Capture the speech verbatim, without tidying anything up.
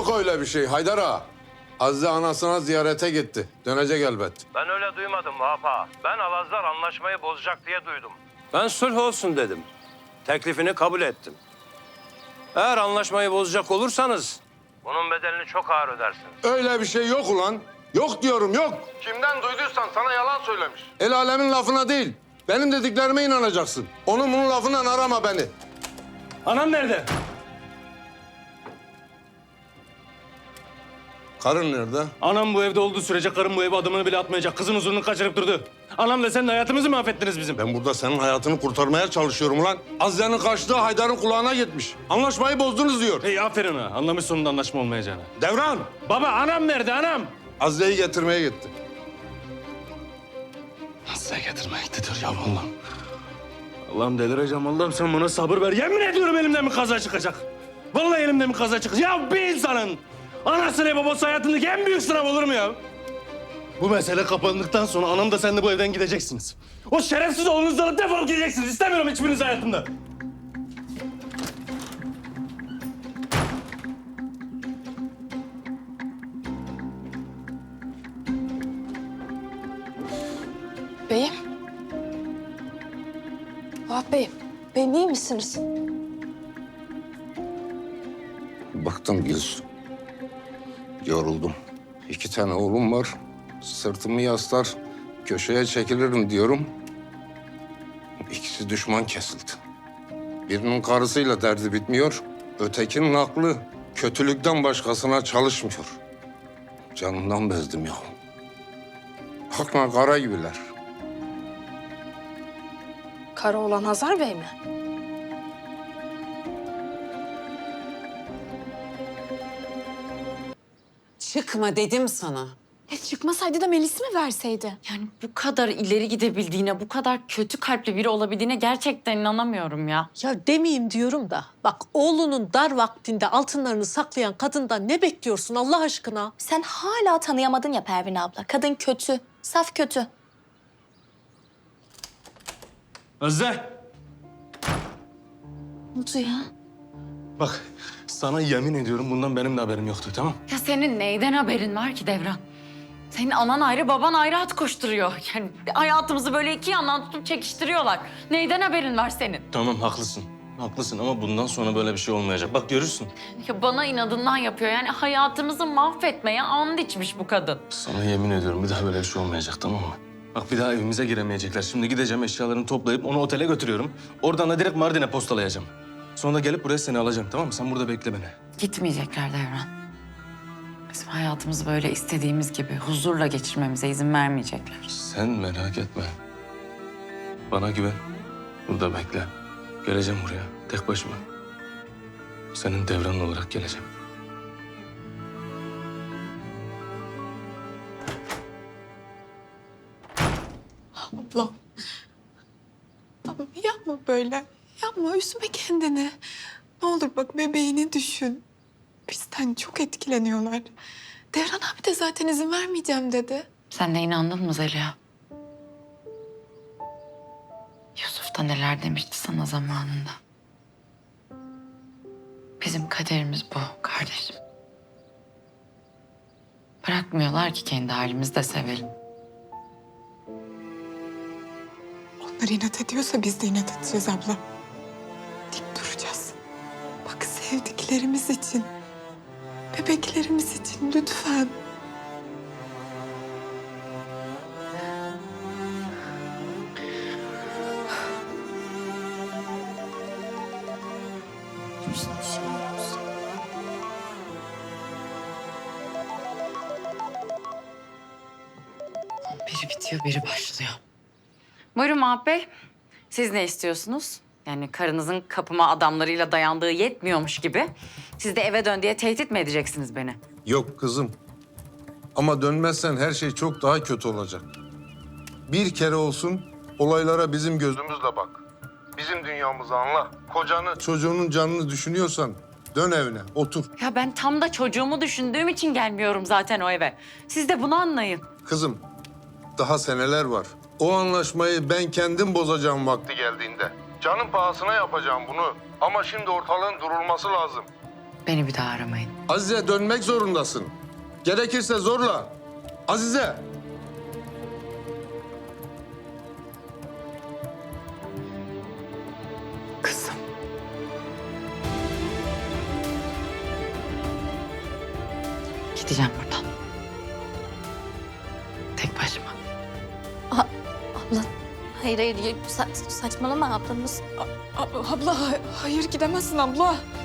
Yok öyle bir şey Haydar ağa. Azize anasına ziyarete gitti. Dönecek elbet. Ben öyle duymadım Vahap ağa. Ben Alazlar anlaşmayı bozacak diye duydum. Ben sulh olsun dedim. Teklifini kabul ettim. Eğer anlaşmayı bozacak olursanız bunun bedelini çok ağır ödersiniz. Öyle bir şey yok ulan. Yok diyorum yok. Kimden duyduysan sana yalan söylemiş. El alemin lafına değil. Benim dediklerime inanacaksın. Onun bunun lafından arama beni. Anam nerede? Karın nerede? Anam bu evde olduğu sürece karım bu eve adımını bile atmayacak. Kızın huzurunu kaçırıp durdu. Anamla sen de hayatımızı mahvettiniz bizim. Ben burada senin hayatını kurtarmaya çalışıyorum ulan. Azize'nin kaçtığı Haydar'ın kulağına gitmiş. Anlaşmayı bozdunuz diyor. Hey aferin ha. Anlamış sonunda anlaşma olmayacağını. Devran! Baba anam nerede anam? Azize'yi getirmeye gitti. Nasıl getirmeye gidiyor ya Allah'ım. Allah'ım delireceğim Allah'ım sen bana sabır ver. Yemin ediyorum elimden bir kaza çıkacak. Vallahi elimden bir kaza çıkacak. Ya bir insanın anasını babası hayatındaki en büyük sınav olur mu ya? Bu mesele kapandıktan sonra anam da sen de bu evden gideceksiniz. O şerefsiz oğlunuzla da defolup gideceksiniz. İstemiyorum hiçbiriniz hayatımda. Beyim. Vahap Beyim. Beyim iyi misiniz? Baktım Gülsüm. Yoruldum. İki tane oğlum var. Sırtımı yaslar, köşeye çekilirim diyorum. İkisi düşman kesildi. Birinin karısıyla derdi bitmiyor. Ötekinin aklı kötülükten başkasına çalışmıyor. Canımdan bezdim ya. Hakma kara gibiler. Kara olan Hazar Bey mi? Çıkma dedim sana. Ya çıkmasaydı da Melis mi verseydi? Yani bu kadar ileri gidebildiğine, bu kadar kötü kalpli biri olabildiğine gerçekten inanamıyorum ya. Ya demeyeyim diyorum da. Bak oğlunun dar vaktinde altınlarını saklayan kadından ne bekliyorsun Allah aşkına? Sen hala tanıyamadın ya Pervin abla. Kadın kötü, saf kötü. Özde. Ne oldu ya? Bak sana yemin ediyorum bundan benim de haberim yoktu tamam? Ya senin neyden haberin var ki Devran? Senin anan ayrı, baban ayrı at koşturuyor. Yani hayatımızı böyle iki yandan tutup çekiştiriyorlar. Neyden haberin var senin? Tamam haklısın. Haklısın ama bundan sonra böyle bir şey olmayacak. Bak görürsün. Ya bana inadından yapıyor. Yani hayatımızı mahvetmeye and içmiş bu kadın. Sana yemin ediyorum bir daha böyle bir şey olmayacak tamam mı? Bak bir daha evimize giremeyecekler. Şimdi gideceğim eşyalarını toplayıp onu otele götürüyorum. Oradan da direkt Mardin'e postalayacağım. Sonra gelip buraya seni alacağım tamam mı? Sen burada bekle beni. Gitmeyecekler Devran. Bizim hayatımızı böyle istediğimiz gibi huzurla geçirmemize izin vermeyecekler. Sen merak etme. Bana güven. Burada bekle. Geleceğim buraya tek başıma. Senin devran olarak geleceğim. Ablam. Ablam yapma böyle. Yapma, üzme kendini. Ne olur bak bebeğini düşün. Bizden çok etkileniyorlar. Devran abi de zaten izin vermeyeceğim dedi. Sen de inandın mı Zeliha? Yusuf da neler demişti sana zamanında. Bizim kaderimiz bu kardeşim. Bırakmıyorlar ki kendi halimizde sevelim. Onlar inat ediyorsa biz de inat edeceğiz abla. Dik duracağız. Bak sevdiklerimiz için, bebeklerimiz için lütfen. Biri bitiyor, biri başlıyor. Buyurun Mahap Bey. Siz ne istiyorsunuz? Yani karınızın kapıma adamlarıyla dayandığı yetmiyormuş gibi. Siz de eve dön diye tehdit mi edeceksiniz beni? Yok kızım. Ama dönmezsen her şey çok daha kötü olacak. Bir kere olsun olaylara bizim gözümüzle bak. Bizim dünyamızı anla. Kocanı, çocuğunun canını düşünüyorsan dön evine, otur. Ya ben tam da çocuğumu düşündüğüm için gelmiyorum zaten o eve. Siz de bunu anlayın. Kızım, daha seneler var. O anlaşmayı ben kendim bozacağım vakti geldiğinde. Canın pahasına yapacağım bunu. Ama şimdi ortalığın durulması lazım. Beni bir daha aramayın. Azize dönmek zorundasın. Gerekirse zorla. Azize. Kızım. Gideceğim buradan. Tek başıma. Abla hayır hayır sa- saçmalama ablamız. A- abla ha- hayır gidemezsin abla.